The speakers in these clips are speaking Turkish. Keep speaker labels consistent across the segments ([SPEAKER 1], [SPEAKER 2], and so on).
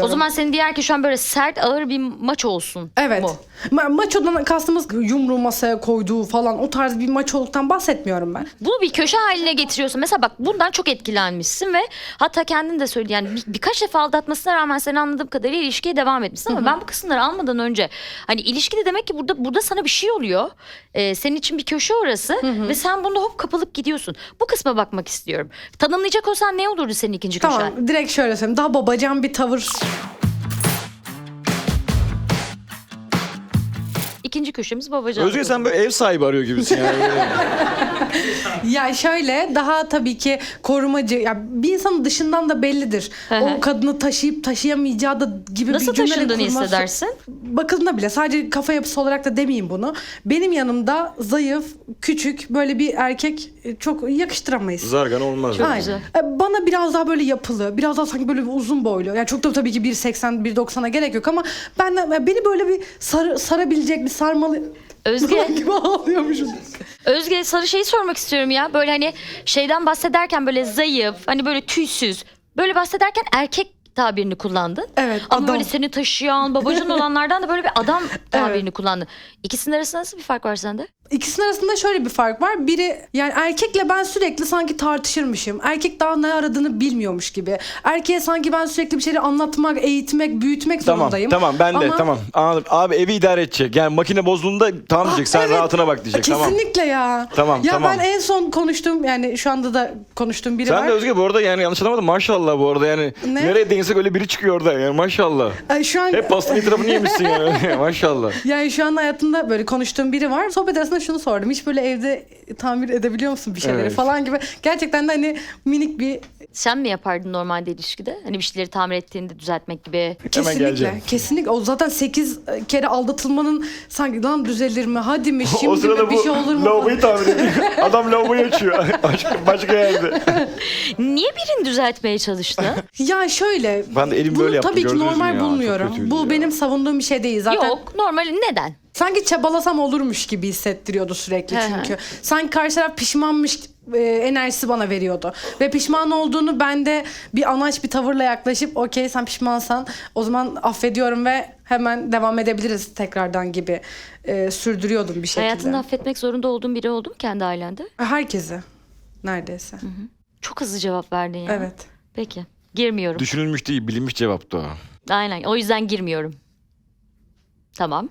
[SPEAKER 1] istemiyorum.
[SPEAKER 2] O zaman senin diğer ki şu an böyle sert ağır bir maç olsun.
[SPEAKER 1] Evet.
[SPEAKER 2] mu?
[SPEAKER 1] Maçodan kastımız yumruğu masaya koyduğu falan o tarz bir maçoluktan bahsetmiyorum ben.
[SPEAKER 2] Bunu bir köşe haline getiriyorsun. Mesela bak bundan çok etkilenmişsin ve hatta kendin de söyledi. Yani birkaç defa aldatmasına rağmen sen anladığım kadarıyla ilişkiye devam etmişsin. Ama ben bu kısımları almadan önce hani ilişkide demek ki burada sana bir şey oluyor. Senin için bir köşe orası ve sen bunda hop kapılıp gidiyorsun. Bu kısma bakmak istiyorum. Tanımlayacak olsan ne olurdu senin ikinci köşen?
[SPEAKER 1] Tamam, direkt şöyle söyleyeyim. Daha babacan bir tavır.
[SPEAKER 2] İkinci köşemiz babacan.
[SPEAKER 3] Özge sen böyle ev sahibi arıyor gibisin yani.
[SPEAKER 1] Ya şöyle daha tabii ki korumacı. Ya bir insanın dışından da bellidir. O kadını taşıyıp taşıyamayacağı da gibi
[SPEAKER 2] Nasıl
[SPEAKER 1] bir cümle
[SPEAKER 2] taşındığını
[SPEAKER 1] kurması.
[SPEAKER 2] hissedersin?
[SPEAKER 1] Bakıldığında bile sadece kafa yapısı olarak da demeyeyim bunu. Benim yanımda zayıf, küçük böyle bir erkek çok yakıştıramayız.
[SPEAKER 3] Zargan olmaz.
[SPEAKER 2] Çok
[SPEAKER 3] yani.
[SPEAKER 2] güzel.
[SPEAKER 1] Bana biraz daha böyle yapılı, biraz daha sanki böyle bir uzun boylu. Yani çok da tabii ki 1.80, 1.90'a gerek yok ama beni böyle bir sarabilecek bir sarmalı
[SPEAKER 2] Özge.
[SPEAKER 1] gibi ağlıyormuşum.
[SPEAKER 2] Özge sarı şeyi sormak istiyorum ya. Böyle hani şeyden bahsederken böyle zayıf, hani böyle tüysüz. Böyle bahsederken erkek tabirini kullandın.
[SPEAKER 1] Evet,
[SPEAKER 2] Ama
[SPEAKER 1] adam.
[SPEAKER 2] böyle seni taşıyan, babacan olanlardan da böyle bir adam tabirini kullandın. İkisinin arasında nasıl bir fark var sende?
[SPEAKER 1] İkisinin arasında şöyle bir fark var. Biri yani erkekle ben sürekli sanki tartışırmışım. Erkek daha ne aradığını bilmiyormuş gibi. Erkeğe sanki ben sürekli bir şeyleri anlatmak, eğitmek, büyütmek
[SPEAKER 3] Tamam
[SPEAKER 1] zorundayım.
[SPEAKER 3] tamam ben de
[SPEAKER 1] Ama-
[SPEAKER 3] tamam anladım. Abi evi idare edecek. Yani makine bozduğunda tamam diyecek sen
[SPEAKER 1] Evet,
[SPEAKER 3] rahatına bak diyecek. Tamam.
[SPEAKER 1] Kesinlikle ya.
[SPEAKER 3] Tamam,
[SPEAKER 1] Ya
[SPEAKER 3] tamam.
[SPEAKER 1] ben en son konuştuğum yani şu anda da konuştuğum biri
[SPEAKER 3] Sen
[SPEAKER 1] var.
[SPEAKER 3] de Özge bu arada yani yanlış anlamadım maşallah bu arada yani.
[SPEAKER 1] Ne?
[SPEAKER 3] Nereye değinsek öyle biri çıkıyor orada yani maşallah.
[SPEAKER 1] Şu an
[SPEAKER 3] Hep pastanın etrafını yemişsin yani maşallah.
[SPEAKER 1] yani şu an hayatımda böyle konuştuğum biri var. Sohbet arasında şunu sordum. Hiç böyle evde tamir edebiliyor musun bir şeyleri
[SPEAKER 3] Evet.
[SPEAKER 1] falan gibi. Gerçekten de hani minik bir
[SPEAKER 2] Sen mi yapardın normalde ilişkide? Hani bir şeyleri tamir ettiğinde düzeltmek gibi.
[SPEAKER 1] kesinlikle.
[SPEAKER 3] geleceğim.
[SPEAKER 1] Kesinlikle. O zaten 8 kere aldatılmanın sanki lan düzelir mi? Hadi mi?
[SPEAKER 3] O
[SPEAKER 1] Şimdi
[SPEAKER 3] sırada
[SPEAKER 1] mi? Bir
[SPEAKER 3] bu
[SPEAKER 1] şey olur mu?
[SPEAKER 3] lavaboyu tamir ediyor. Adam lavaboyu açıyor. başka yerde.
[SPEAKER 2] Niye birini düzeltmeye çalıştı?
[SPEAKER 1] Ya şöyle.
[SPEAKER 3] Ben de elim
[SPEAKER 1] bunu
[SPEAKER 3] böyle yaptım,
[SPEAKER 1] tabii ki
[SPEAKER 3] gördünüz mü
[SPEAKER 1] normal
[SPEAKER 3] ya? Çok
[SPEAKER 1] bulmuyorum.
[SPEAKER 3] kötüydü
[SPEAKER 1] Bu
[SPEAKER 3] ya.
[SPEAKER 1] benim savunduğum bir şey değil. Zaten
[SPEAKER 2] Yok normal neden?
[SPEAKER 1] sanki çabalasam olurmuş gibi hissettiriyordu sürekli
[SPEAKER 2] Hı hı.
[SPEAKER 1] çünkü. Sanki karşı taraf pişmanmış enerjisi bana veriyordu. Ve pişman olduğunu ben de bir anaç bir tavırla yaklaşıp okey sen pişmansan o zaman affediyorum ve hemen devam edebiliriz tekrardan gibi sürdürüyordum bir şekilde.
[SPEAKER 2] Hayatında affetmek zorunda olduğun biri oldu mu kendi ailende?
[SPEAKER 1] Herkesi neredeyse.
[SPEAKER 2] Çok hızlı cevap verdin ya.
[SPEAKER 1] Evet.
[SPEAKER 2] Peki. Girmiyorum.
[SPEAKER 3] Düşünülmüş değil bilinmiş cevaptı o.
[SPEAKER 2] Aynen. O yüzden girmiyorum. Tamam.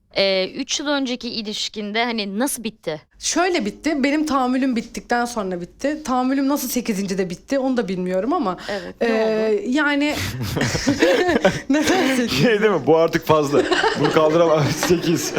[SPEAKER 2] 3 yıl önceki ilişkinde hani nasıl bitti?
[SPEAKER 1] Şöyle bitti. Benim tahammülüm bittikten sonra bitti. Tahammülüm nasıl 8'de bitti onu da bilmiyorum ama.
[SPEAKER 2] Evet, ne oldu?
[SPEAKER 1] Yani neden 8?
[SPEAKER 3] Şey değil mi? Bu artık fazla. Bunu kaldıramam. 8.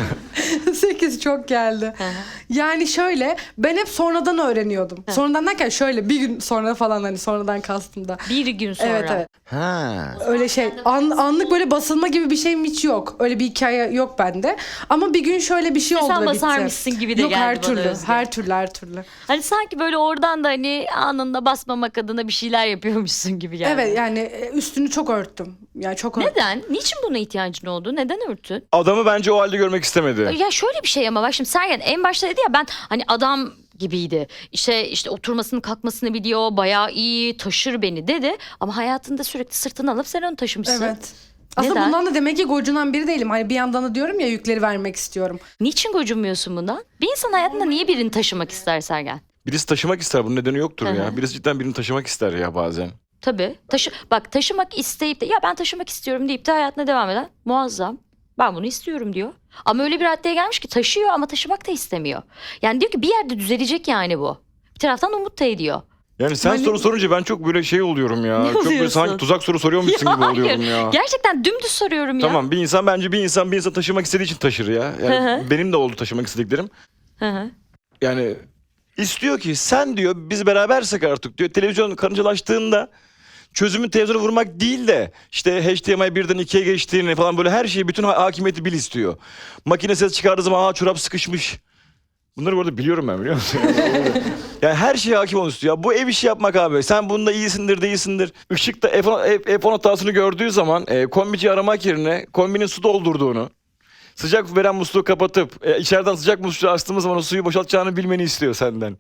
[SPEAKER 1] 8 çok geldi.
[SPEAKER 2] Hı hı.
[SPEAKER 1] Yani şöyle ben hep sonradan öğreniyordum. Sonradan derken şöyle bir gün sonra falan hani sonradan kastım da.
[SPEAKER 2] Bir gün sonra.
[SPEAKER 1] Evet evet.
[SPEAKER 3] Ha.
[SPEAKER 1] Öyle şey anlık böyle basılma gibi bir şeyim hiç yok. Öyle bir hikaye yok bende. Ama bir gün şöyle bir şey oldu
[SPEAKER 2] Sen
[SPEAKER 1] ve bitti.
[SPEAKER 2] basarmışsın gibi de
[SPEAKER 1] yok,
[SPEAKER 2] geldi
[SPEAKER 1] her
[SPEAKER 2] bana
[SPEAKER 1] türlü,
[SPEAKER 2] Özge.
[SPEAKER 1] her türlü.
[SPEAKER 2] Hani sanki böyle oradan da hani anında basmamak adına bir şeyler yapıyormuşsun gibi geldi.
[SPEAKER 1] Evet yani üstünü çok örttüm. Yani çok örttüm.
[SPEAKER 2] Neden? Niçin buna ihtiyacın oldu? Neden örtün?
[SPEAKER 3] Adamı bence o halde görmek istemedi.
[SPEAKER 2] Ya şöyle bir şey ama bak şimdi Sergen en başta dedi ya ben hani adam gibiydi. İşte oturmasını kalkmasını biliyor. Bayağı iyi taşır beni dedi. Ama hayatında sürekli sırtını alıp sen onu taşımışsın.
[SPEAKER 1] Evet. Aslında
[SPEAKER 2] Neden?
[SPEAKER 1] bundan da demek ki gocunan biri değilim. Hani bir yandan da diyorum ya yükleri vermek istiyorum.
[SPEAKER 2] Niçin gocunmuyorsun bundan? Bir insan hayatında niye birini taşımak ister Sergen?
[SPEAKER 3] Birisi taşımak ister. Bunun nedeni yoktur
[SPEAKER 2] Hı hı.
[SPEAKER 3] ya. Birisi cidden birini taşımak ister ya bazen.
[SPEAKER 2] Tabii. Bak taşımak isteyip de ya ben taşımak istiyorum deyip de hayatına devam eden muazzam. Ben bunu istiyorum diyor. Ama öyle bir raddeye gelmiş ki taşıyor ama taşımak da istemiyor. Yani diyor ki bir yerde düzelecek yani bu. Bir taraftan umut da ediyor.
[SPEAKER 3] Yani sen
[SPEAKER 1] Hani-
[SPEAKER 3] soru sorunca ben çok böyle şey oluyorum ya.
[SPEAKER 2] Ne
[SPEAKER 3] Çok böyle
[SPEAKER 2] oluyorsun?
[SPEAKER 3] sanki tuzak soru soruyormuşsun gibi oluyorum ya.
[SPEAKER 2] Gerçekten dümdüz soruyorum ya.
[SPEAKER 3] Tamam bir insan taşımak istediği için taşır ya.
[SPEAKER 2] Hı
[SPEAKER 3] Yani
[SPEAKER 2] hı.
[SPEAKER 3] benim de oldu taşımak istediklerim.
[SPEAKER 2] Hı hı.
[SPEAKER 3] Yani istiyor ki sen diyor biz berabersek artık diyor televizyon karıncalaştığında çözümü televizyona vurmak değil de işte HDMI 1'den 2'ye geçtiğini falan böyle her şeyi bütün hakimiyeti bil istiyor. Makine ses çıkardığı zaman çorap sıkışmış. Bunları bu arada biliyorum ben biliyor musun? Yani her şeye hakim olmak istiyor. Ya bu ev işi yapmak abi. Sen bunda iyisindir değilsindir. Işıkta F10 hatasını gördüğü zaman kombici aramak yerine kombinin su doldurduğunu, sıcak veren musluğu kapatıp içeriden sıcak musluğu açtığımız zaman o suyu boşaltacağını bilmeni istiyor senden.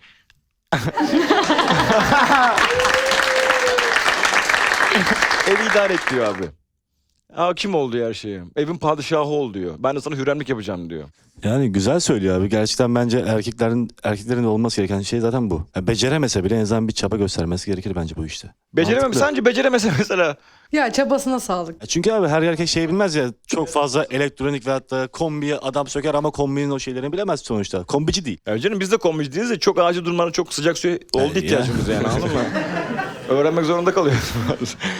[SPEAKER 3] Evi idare et diyor abi. Hakim ol diyor her şeye. Evin padişahı ol diyor. Ben de sana hürremlik yapacağım diyor.
[SPEAKER 4] Yani güzel söylüyor abi. Gerçekten bence erkeklerin de olması gereken şey zaten bu. Ya beceremese bile en azından bir çaba göstermesi gerekir bence bu işte.
[SPEAKER 3] Beceremem.
[SPEAKER 4] Mantıklı.
[SPEAKER 3] Sence beceremese mesela.
[SPEAKER 1] Ya çabasına sağlık.
[SPEAKER 4] Çünkü abi her erkek şey bilmez ya. Çok fazla elektronik ve hatta kombiye adam söker ama kombinin o şeylerini bilemez sonuçta. Kombici değil.
[SPEAKER 3] Ya canım biz de kombici değiliz de çok acil durumlarda çok sıcak suya oldu
[SPEAKER 4] Ya.
[SPEAKER 3] ihtiyacımız yani anladın mı? Öğrenmek zorunda kalıyoruz.